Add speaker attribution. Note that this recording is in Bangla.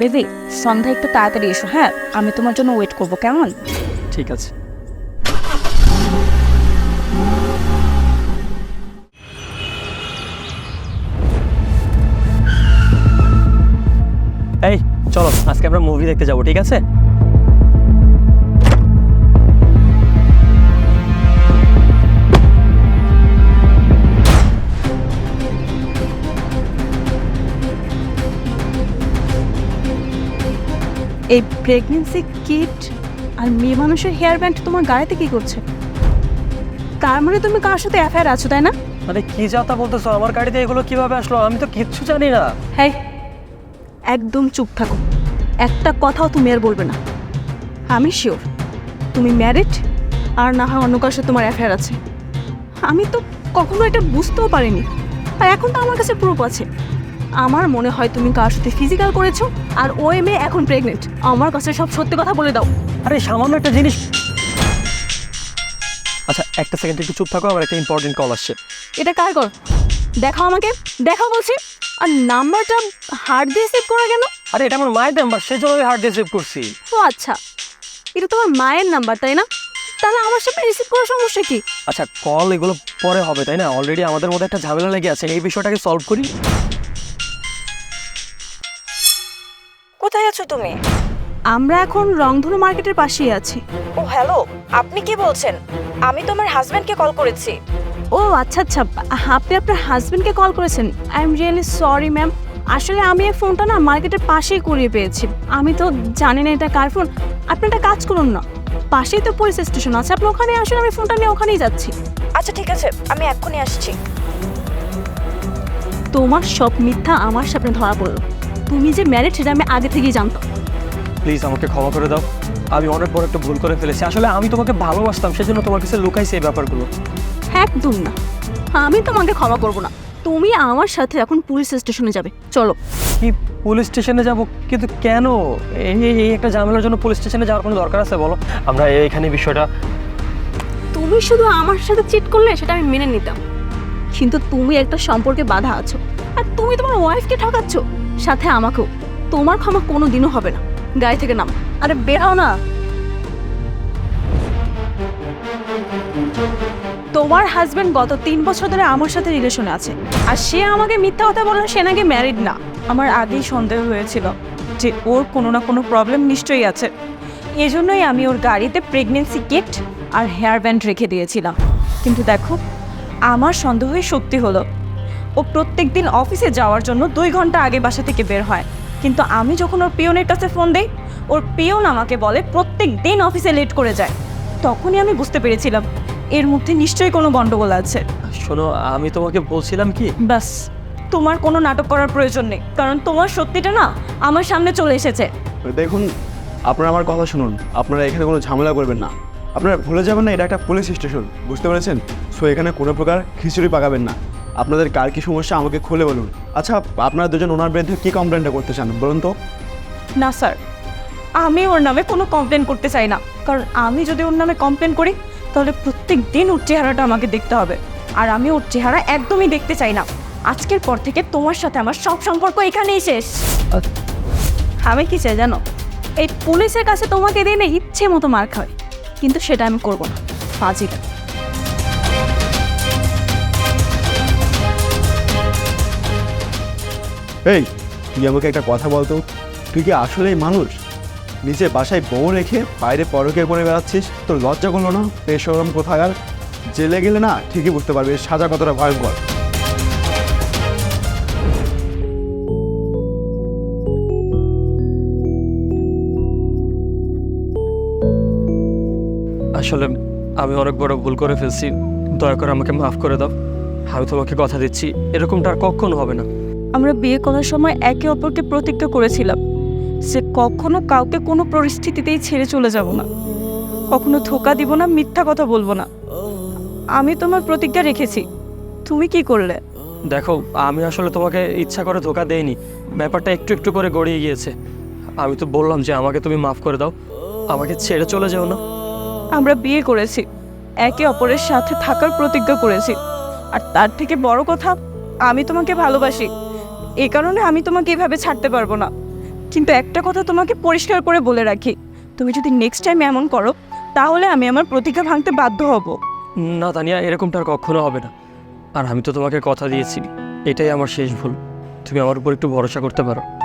Speaker 1: বেবি, সন্ধ্যা একটু তাড়াতাড়ি এসো। হ্যাঁ, আমি তোমার জন্য ওয়েট করবো, কেমন?
Speaker 2: ঠিক আছে। এই চলো আজকে আমরা মুভি দেখতে যাবো, ঠিক আছে?
Speaker 1: এই প্রেগনেন্সি কিট আর মেয়ে মানুষের হেয়ার ব্যান্ড তোমার গাড়িতে কি করছে? তার মানে তুমি কার সাথে অ্যাফেয়ার আছো, তাই না?
Speaker 2: মানে কি যাতা বলতেছো? আমার গাড়িতে এগুলো কিভাবে আসলো? আমি তো কিচ্ছু জানি না।
Speaker 1: হ্যাঁ, একদম চুপ থাকো, একটা কথাও তুমি আর বলবে না। আমি শিওর তুমি ম্যারিড, আর না হয় অন্য কারোর সাথে তোমার অ্যাফেয়ার আছে। আমি তো কখনো এটা বুঝতেও পারিনি, আর এখন তো আমার কাছে প্রুফ আছে। আমার মনে হয় তুমি কার সাথে ফিজিক্যাল করেছো, আর ওই মেয়ে এখন প্রেগনেন্ট। আমার কাছে সব সত্যি কথা বলে দাও।
Speaker 2: আরে সামান্য একটা জিনিস। আচ্ছা একটা সেকেন্ড একটু চুপ থাকো, আমার একটা ইম্পর্টেন্ট কল আসছে।
Speaker 1: এটা কার কল? দেখাও আমাকে, দেখাও বলছি। আর নাম্বারটা হার্ড দিয়ে সেভ করা কেন?
Speaker 2: আরে এটা আমার মায়ের নাম্বার, সেই জন্য আমি হার্ড দিয়ে সেভ করছি।
Speaker 1: ও আচ্ছা, এটা তোমার মায়ের নাম্বার তাই না? তাহলে আমার সাথে রিসিভ করার সমস্যা কি?
Speaker 2: আচ্ছা কল এগুলো পরে হবে তাই না? অলরেডি আমাদের মধ্যে একটা ঝামেলা লেগে আছে, এই বিষয়টাকে সলভ করি।
Speaker 1: কোথায় আছো তুমি? আমরা এখন রংধনু মার্কেটের পাশেই আছি। ও হ্যালো, আপনি কি বলছেন? আমি তো আমার হাজবেন্ডকে কল করেছি। ও আচ্ছা আচ্ছা, আপনি আপনার হাজবেন্ডকে কল করেছেন। I am really sorry ma'am, আসলে আমি এই ফোনটা না মার্কেটের পাশেই কুড়িয়ে পেয়েছি। আমি তো জানি না এটা কার ফোন। আপনি একটা কাজ করুন না, পাশেই তো পুলিশ স্টেশন আছে, আপনি ওখানে আসুন, আমি ফোনটা নিয়ে ওখানেই যাচ্ছি। আচ্ছা ঠিক আছে, আমি এক্ষুনি আসছি। তোমার সব মিথ্যা আমার সামনে ধরা পড়লো। তুমি যে ম্যারিড সেটা আমি আগে থেকেই জানতাম।
Speaker 2: প্লিজ আমাকে ক্ষমা করে দাও, আমি অনেক বড় একটা ভুল করে ফেলেছি। আসলে আমি তোমাকে ভালোবাসতাম, সেজন্য তোমার কাছে লুকাইছি এই ব্যাপারগুলো।
Speaker 1: একদম না, আমি তোমাকে ক্ষমা করব না। তুমি আমার সাথে এখন পুলিশ স্টেশনে যাবে, চলো।
Speaker 2: কি পুলিশ স্টেশনে যাব? কিন্তু কেন? এই একটা ঝামেলার জন্য পুলিশ স্টেশনে যাওয়ার কোনো দরকার আছে বলো? আমরা এইখানে বিষয়টা।
Speaker 1: তুমি শুধু আমার সাথে চিট করলে সেটা আমি মেনে নিতাম, কিন্তু তুমি একটা সম্পর্কে বাধা আছো, আর তুমি তোমার ওয়াইফকে ঠকাচ্ছ, সাথে আমাকেও। তোমার ক্ষমা কোনো দিনও হবে না। গাড়ি থেকে নাম, আরে বের হও না। তোমার হাজবেন্ড গত 3 বছর ধরে আমার সাথে রিলেশনে আছে, আর সে আমাকে মিথ্যা কথা বলল সে নাকি ম্যারিড না। আমার আগেই সন্দেহ হয়েছিল যে ওর কোনো না কোনো প্রবলেম নিশ্চয়ই আছে। এজন্যই আমি ওর গাড়িতে প্রেগনেন্সি কিট আর হেয়ার ব্যান্ড রেখে দিয়েছিলাম। কিন্তু দেখো, আমার সন্দেহই সত্যি হলো। ও প্রত্যেক দিন অফিসে যাওয়ার জন্য 2 ঘন্টা আগে বাসা থেকে বের হয়, কিন্তু আমি যখন ওর পিয়নের কাছে ফোন দিই, ওর পিয়ন আমাকে বলে প্রত্যেক দিন অফিসে লেট করে যায়। তখনই আমি বুঝতে পেরেছিলাম এর মধ্যে নিশ্চয়ই কোনো গন্ডগোল আছে।
Speaker 2: শোনো, আমি তোমাকে বলছিলাম কি,
Speaker 1: ব্যাস, তোমার কোনো নাটক করার প্রয়োজন নেই, কারণ তোমার সত্যিটা না আমার সামনে চলে এসেছে।
Speaker 3: দেখুন, আপনারা আমার কথা শুনুন, আপনারা এখানে কোনো ঝামেলা করবেন না। আপনারা ভুলে যাবেন না এটা একটা পুলিশ স্টেশন, বুঝতে পেরেছেন? সো এখানে কোনো প্রকার খিচুড়ি পাকাবেন না। আপনাদের কার কী সমস্যা আমাকে খুলে বলুন। আচ্ছা, আপনারা দুজন ওনার বিরুদ্ধে কী কমপ্লেনটা করতে চান বলুন তো?
Speaker 1: না স্যার, আমি ওর নামে কোনো কমপ্লেন করতে চাই না, কারণ আমি যদি ওর নামে কমপ্লেন করি তাহলে প্রত্যেক দিন ওর চেহারাটা আমাকে দেখতে হবে, আর আমি ওর চেহারা একদমই দেখতে চাই না। আজকের পর থেকে তোমার সাথে আমার সব সম্পর্ক এখানেই শেষ। আমি কি চাই জানো? এই পুলিশের কাছে তোমাকে দিয়ে না ইচ্ছে মতো মার খায়, কিন্তু সেটা আমি করব না। ফাজিল।
Speaker 3: এই, তুই আমাকে একটা কথা বলতো, তুই কি আসলেই মানুষ? নিজে বাসায় বউ রেখে বাইরে পরকে করে বেড়াচ্ছিস, তোর লজ্জা করলো না? বেশরম কোথাকার। জেলে গেলে না ঠিকই বুঝতে পারবি এর সাজা কতটা ভয়ঙ্কর।
Speaker 2: আসলে আমি অনেক বড় ভুল করে ফেলছি, দয়া করে আমাকে মাফ করে দাও। আমি তোমাকে কথা দিচ্ছি এরকমটা আর কখনো হবে না।
Speaker 1: আমরা বিয়ে করার সময় একে অপরকে প্রতিজ্ঞা করেছিলাম যে কখনো কাউকে কোনো পরিস্থিতিতেই ছেড়ে চলে যাব না, কখনো ধোঁকা দিব না, মিথ্যা কথা বলবো না। আমি তোমার প্রতিজ্ঞা রেখেছি, তুমি কি করলে?
Speaker 2: দেখো, আমি আসলে তোমাকে ইচ্ছা করে ধোকা দেইনি, ব্যাপারটা একটু একটু করে গড়িয়ে গিয়েছে। আমি তো বললাম যে আমাকে তুমি মাফ করে দাও, আমাকে ছেড়ে চলে যেও না।
Speaker 1: আমরা বিয়ে করেছি, একে অপরের সাথে থাকার প্রতিজ্ঞা করেছি, আর তার থেকে বড় কথা, আমি তোমাকে ভালোবাসি। এই কারণে আমি তোমাকে এভাবে ছাড়তে পারবো না। কিন্তু একটা কথা তোমাকে পরিষ্কার করে বলে রাখি, তুমি যদি নেক্সট টাইম এমন করো তাহলে আমি আমার প্রতিজ্ঞা ভাঙতে বাধ্য হব।
Speaker 2: না তানিয়া, এরকমটা আর কখনো হবে না। আর আমি তো তোমাকে কথা দিয়েছি, এটাই আমার শেষ ভুল। তুমি আমার উপর একটু ভরসা করতে পারো।